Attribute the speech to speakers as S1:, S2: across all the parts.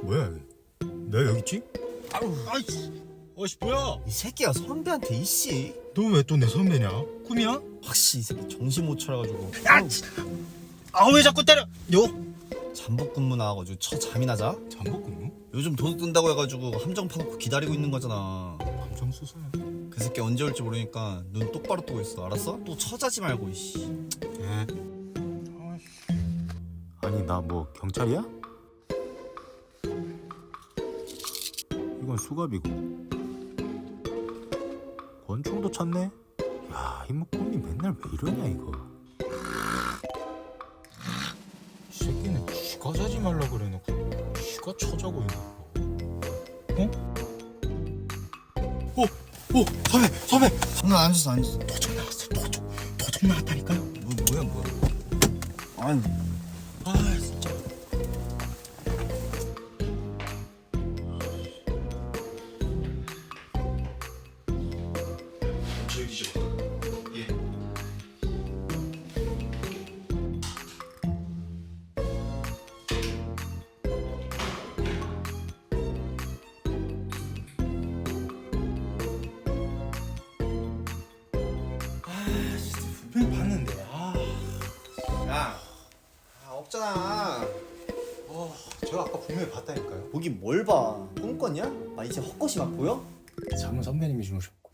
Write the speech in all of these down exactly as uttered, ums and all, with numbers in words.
S1: 뭐야 여기? 내가 여기 있지?
S2: 아우,
S1: 아이씨, 어씨 뭐야?
S2: 이 새끼가 선배한테 이씨.
S1: 너 왜 또 내 선배냐? 꿈이야?
S2: 확실히 이 새끼 정신 못 차려가지고.
S1: 야, 아 왜 자꾸 때려? 요?
S2: 잠복 근무 나와가지고 쳐 잠이나 자?
S1: 잠복 근무?
S2: 요즘 도둑 든다고 해가지고 함정 파놓고 기다리고 있는 거잖아.
S1: 감정 수사야.
S2: 그 새끼 언제 올지 모르니까 눈 똑바로 뜨고 있어. 알았어? 또 처자지 말고 이씨.
S1: 예. 아니 나 뭐 경찰이야? 이건 수갑이고 권총도 찾네. 야, 이모 꿈이 맨날 왜 이러냐 이거. 이 새끼는 쥐가 자지 말라 그래놓고 쥐가 쳐자고 있는 거. 어? 오, 오, 선배, 선배.
S2: 나 앉았어 앉았어.
S1: 도둑 나왔어, 도둑, 도둑 나왔다니까요.
S2: 뭐 뭐야 뭐야. 아니.
S1: 아, 진짜. 저기 뒤집어. 예. 아, 진짜 분명히 봤는데. 아.
S2: 야. 아 없잖아.
S1: 어, 제가 아까 분명히 봤다니까요.
S2: 보긴 뭘 봐. 꿈꿨냐? 아 이제 헛것이 막 보여?
S1: 잠은 선배님이 주무셨고.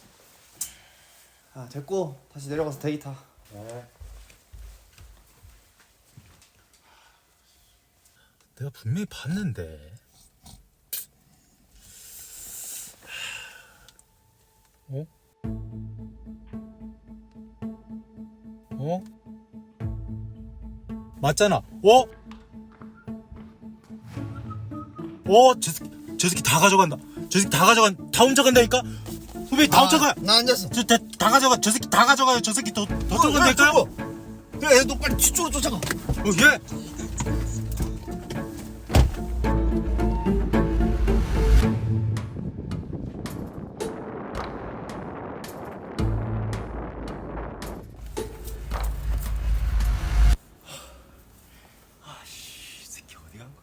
S2: 아 됐고 다시 내려가서 대기 타.
S1: 네. 내가 분명히 봤는데. 어? 어? 맞잖아. 어? 어? 저 새끼, 저 새끼 다 가져간다. 저 새끼 다 가져간, 다 훔쳐간다니까? 후배 다 훔쳐가!
S2: 나 앉았어.
S1: 저, 다, 다 가져가. 저 새끼 다 가져가요. 저 새끼 더, 더 들어간다니까요?
S2: 야, 너 빨리 뒤쪽으로 쫓아가.
S1: 어, 예!
S2: 이 새끼 어디 간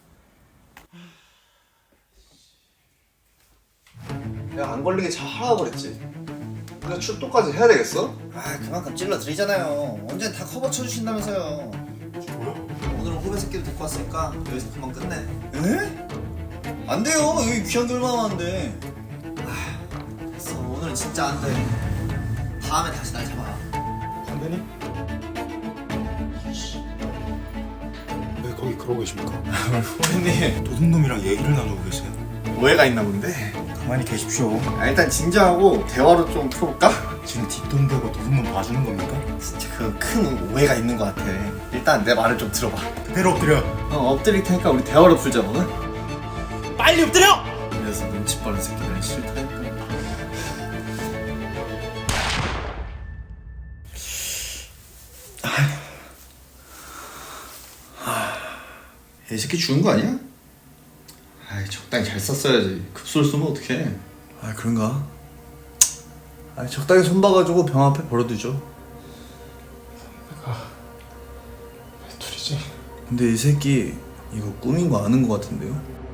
S2: 거야?
S3: 야, 안 걸리게 잘 하라고 그랬지. 근데 출동까지 해야 되겠어?
S2: 아 그만큼 찔러 드리잖아요. 언젠 다 커버 쳐주신다면서요. 오늘은 후배 새끼도 데리고 왔으니까 여기서 그만 끝내. 에? 안 돼요. 여기 귀한 게 얼마나 많은데. 아 됐어. 오늘은 진짜 안 돼. 다음에 다시 날 잡아.
S1: 선배님? 왜 거기 그러고 계십니까?
S3: 후배님,
S1: 도둑놈이랑 얘기를 나누고 계세요.
S3: 오해가 있나 본데.
S1: 가만히 계십시오.
S3: 아, 일단 진지하고 대화로 좀 풀어볼까?
S1: 지금 뒷돈 대고 도둑놈 봐주는 겁니까?
S3: 진짜 그 큰 오해가 있는 것 같아. 일단 내 말을 좀 들어봐.
S1: 그대로 엎드려.
S3: 어, 엎드릴 테니까 우리 대화로 풀자거든?
S1: 빨리 엎드려!
S3: 그래서 눈치 빠른 새끼들은 싫다니까. 이 새끼 죽은 거 아니야? 아이, 적당히 잘 썼어야지. 급소를 쓰면 어떡해.
S2: 아 그런가? 아 적당히 손 봐가지고 병 앞에 버려두죠.
S1: 내가 왜 둘이지?
S2: 근데 이 새끼 이거 꿈인 거 아는 거 같은데요?